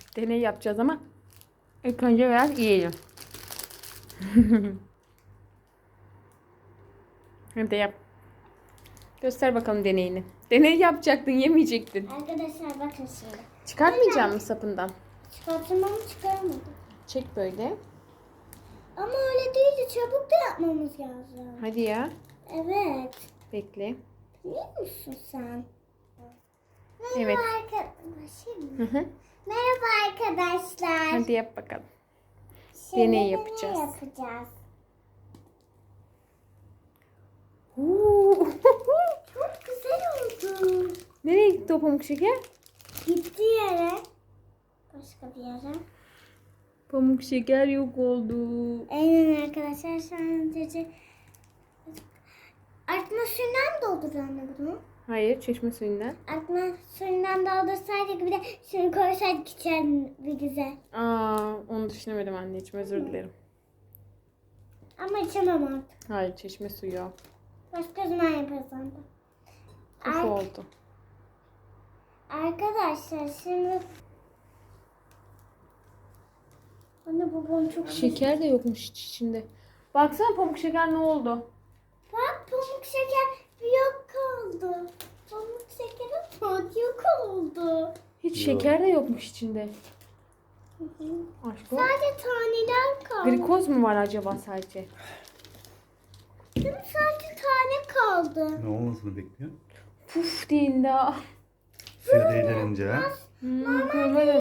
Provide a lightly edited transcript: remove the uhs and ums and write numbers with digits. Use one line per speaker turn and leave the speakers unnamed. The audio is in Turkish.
Deney yapacağız ama ilk önce biraz yiyelim. Hadi yap. Göster bakalım deneyini. Deney yapacaktın, yemeyecektin.
Arkadaşlar bakın şimdi.
Çıkartmayacak mısın sapından?
Çıkarttım ama çıkarmadım.
Çek böyle.
Ama öyle değil de çabuk da yapmamız lazım.
Hadi ya.
Evet.
Bekle.
Biliyor musun sen?
Evet. Hı hı.
Merhaba arkadaşlar.
Hadi yap bakalım.
Şimdi
deney
deney
yapacağız.
yapacağız. Çok güzel oldu.
Nereye gitti o pamuk şeker?
Gitti yere. Başka bir yere.
Pamuk şeker yok oldu.
Aynen arkadaşlar. Sadece artma suyundan mı doldur anne bunu?
Hayır, çeşme suyundan.
Artma suyundan doldursaydık bir de şunu koysaydık içeride bir güzel.
Onu düşünemedim anneciğim, özür dilerim.
Ama içemem artık.
Hayır, çeşme suyu o.
Başka zaman yaparız onu da.
Kufu oldu.
Arkadaşlar şimdi anne babam çok
Şeker de yokmuş içinde. Baksana pamuk şeker ne oldu?
Bak pamuk şeker yok oldu. Pamuk şekerin tadı yok oldu.
Hiç şeker de yokmuş içinde. Aşk o.
Sadece taneler kaldı.
Glikoz mu var acaba sadece?
Değil mi? Sadece tane kaldı.
Ne olmasını bekliyor?
Puf deyin daha.
Suya değdirince.
Böyle